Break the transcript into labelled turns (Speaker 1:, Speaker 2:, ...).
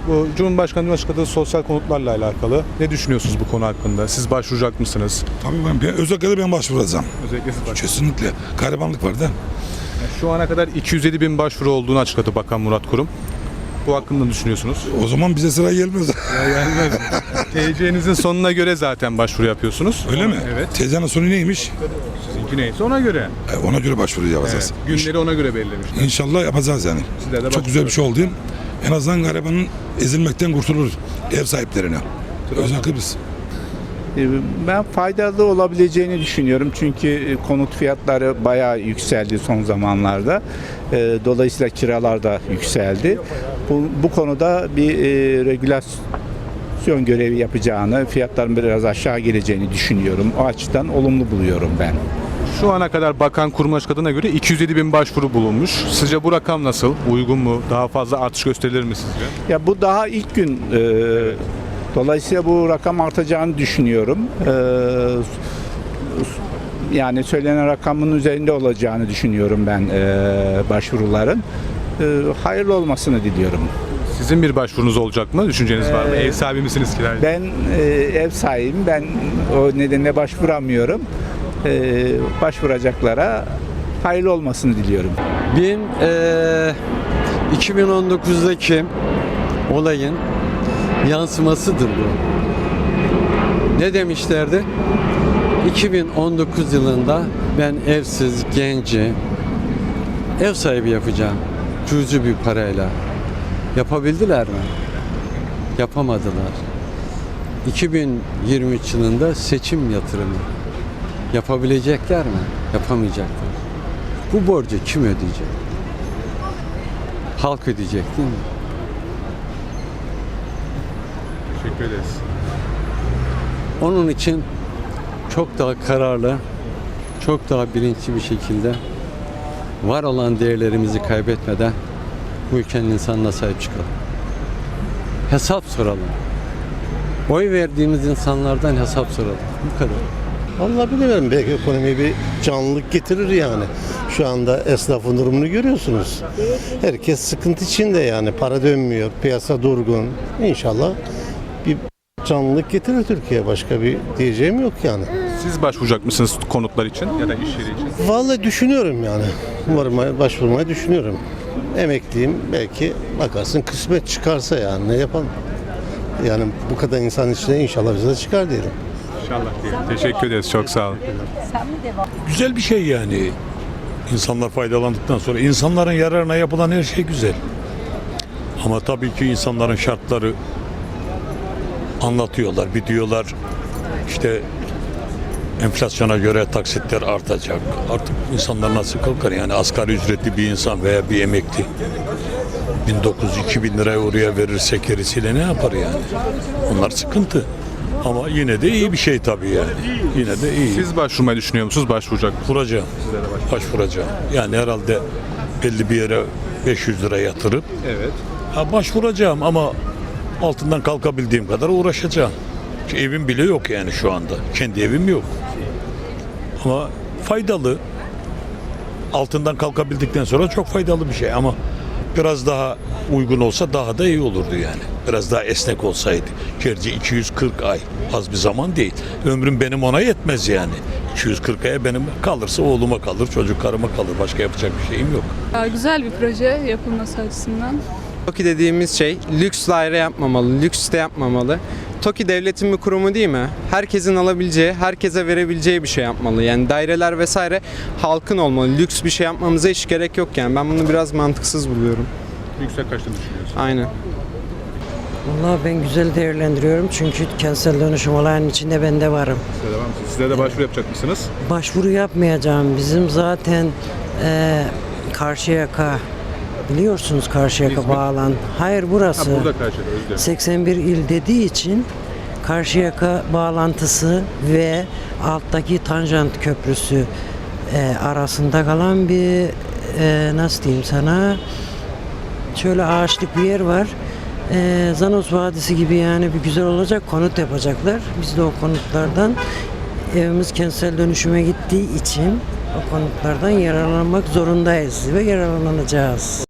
Speaker 1: Bu Cumhurbaşkanı'nın açıkladığı sosyal konutlarla alakalı ne düşünüyorsunuz bu konu hakkında? Siz başvuracak mısınız?
Speaker 2: Tabii özellikle ben başvuracağım.
Speaker 1: Özellikle siz
Speaker 2: Kesinlikle. Garibanlık var da.
Speaker 1: Şu ana kadar 207 bin başvuru olduğunu açıkladı Bakan Murat Kurum. Bu hakkında ne düşünüyorsunuz?
Speaker 2: O zaman bize sıra gelmez.
Speaker 1: Gelmez. TC'nizin sonuna göre zaten başvuru yapıyorsunuz.
Speaker 2: Öyle mi?
Speaker 1: Evet.
Speaker 2: Teyzenin sonu neymiş?
Speaker 1: Sizinki neyse ona göre.
Speaker 2: Ona göre başvuru yapacağız.
Speaker 1: Evet, günleri ona göre belirlemişler.
Speaker 2: İnşallah yapacağız yani.
Speaker 1: Sizler de
Speaker 2: Çok güzel bir şey oldu. En azından garibanın ezilmekten kurtulur ev sahiplerine. Özellikle biz.
Speaker 3: Ben faydalı olabileceğini düşünüyorum çünkü konut fiyatları bayağı yükseldi son zamanlarda. Dolayısıyla kiralar da yükseldi. Bu konuda bir regülasyon görevi yapacağını, fiyatların biraz aşağı geleceğini düşünüyorum. O açıdan olumlu buluyorum ben.
Speaker 1: Şu ana kadar bakan kurum açıkladığına göre 207 bin başvuru bulunmuş. Sizce bu rakam nasıl? Uygun mu? Daha fazla artış gösterilir mi sizce?
Speaker 3: Ya bu daha ilk gün. Dolayısıyla bu rakam artacağını düşünüyorum. Yani söylenen rakamın üzerinde olacağını düşünüyorum ben başvuruların. Hayırlı olmasını diliyorum.
Speaker 1: Sizin bir başvurunuz olacak mı? Düşünceniz var mı? Ev sahibi misiniz kiracı?
Speaker 3: Ben ev sahibiyim. Ben o nedenle başvuramıyorum. Başvuracaklara hayırlı olmasını diliyorum.
Speaker 4: 2019'daki olayın yansımasıdır bu. Ne demişlerdi? 2019 yılında ben evsiz genci ev sahibi yapacağım. Cüzi bir parayla. Yapabildiler mi? Yapamadılar. 2023 yılında seçim yatırımı. Yapabilecekler mi? Yapamayacaklar. Bu borcu kim ödeyecek? Halk ödeyecek değil mi?
Speaker 1: Teşekkür ederiz.
Speaker 4: Onun için çok daha kararlı, çok daha bilinçli bir şekilde var olan değerlerimizi kaybetmeden bu ülkenin insanına sahip çıkalım. Hesap soralım. Oy verdiğimiz insanlardan hesap soralım. Bu kadar.
Speaker 5: Vallahi bilmiyorum, belki ekonomiye bir canlılık getirir yani. Şu anda esnafın durumunu görüyorsunuz. Herkes sıkıntı içinde yani. Para dönmüyor, piyasa durgun. İnşallah bir canlılık getirir Türkiye. Başka bir diyeceğim yok yani.
Speaker 1: Siz başvuracak mısınız konutlar için ya da iş yeri için?
Speaker 5: Vallahi düşünüyorum yani. Başvurmayı düşünüyorum. Emekliyim, belki bakarsın kısmet çıkarsa yani ne yapalım. Yani bu kadar insan içinde inşallah bize de çıkar diyelim.
Speaker 1: İnşallah diyelim. Teşekkür ederiz. Çok sağ olun.
Speaker 2: Güzel bir şey yani. İnsanlar faydalandıktan sonra insanların yararına yapılan her şey güzel. Ama tabii ki insanların şartları anlatıyorlar. Bir diyorlar işte enflasyona göre taksitler artacak. Artık insanlar nasıl kalkar yani asgari ücretli bir insan veya bir emekli 1900-2000 liraya oraya verirse gerisiyle ne yapar yani? Onlar sıkıntı. Ama yine de iyi bir şey tabii yani. Yine de iyi.
Speaker 1: Siz başvurmayı düşünüyor musunuz? Başvuracak mısınız?
Speaker 2: Başvuracağım. Başvuracağım. Yani herhalde belli bir yere 500 lira yatırıp
Speaker 1: Evet.
Speaker 2: başvuracağım ama altından kalkabildiğim kadar uğraşacağım. Çünkü evim bile yok yani şu anda. Kendi evim yok. Ama faydalı. Altından kalkabildikten sonra çok faydalı bir şey ama biraz daha uygun olsa daha da iyi olurdu yani. Biraz daha esnek olsaydı. Gerçi 240 ay az bir zaman değil. Ömrüm benim ona yetmez yani. 240 aya benim kalırsa oğluma kalır, çocuklarıma kalır. Başka yapacak bir şeyim yok.
Speaker 6: Güzel bir proje yapılması açısından.
Speaker 7: TOKİ dediğimiz şey lüks daire yapmamalı, lüks site yapmamalı. TOKİ devletin bir kurumu değil mi? Herkesin alabileceği, herkese verebileceği bir şey yapmalı. Yani daireler vesaire halkın olmalı. Lüks bir şey yapmamıza hiç gerek yok yani. Ben bunu biraz mantıksız buluyorum.
Speaker 1: Yüksek kaçta düşünüyorsunuz?
Speaker 7: Aynen.
Speaker 8: Vallahi ben güzel değerlendiriyorum çünkü kentsel dönüşüm olayının içinde ben de varım.
Speaker 1: Size de var mısınız? Sizler de başvuru yapacak mısınız?
Speaker 8: Başvuru yapmayacağım. Bizim zaten Karşıyaka, biliyorsunuz Karşıyaka
Speaker 1: İzmir.
Speaker 8: bağlan. Hayır burası.
Speaker 1: Burada karşıda özür dilerim.
Speaker 8: 81 il dediği için Karşıyaka bağlantısı ve alttaki Tanjant Köprüsü arasında kalan bir nasıl diyeyim sana, şöyle ağaçlık bir yer var. Zanos Vadisi gibi yani bir güzel olacak, konut yapacaklar. Biz de o konutlardan, evimiz kentsel dönüşüme gittiği için o konutlardan yararlanmak zorundayız ve yararlanacağız.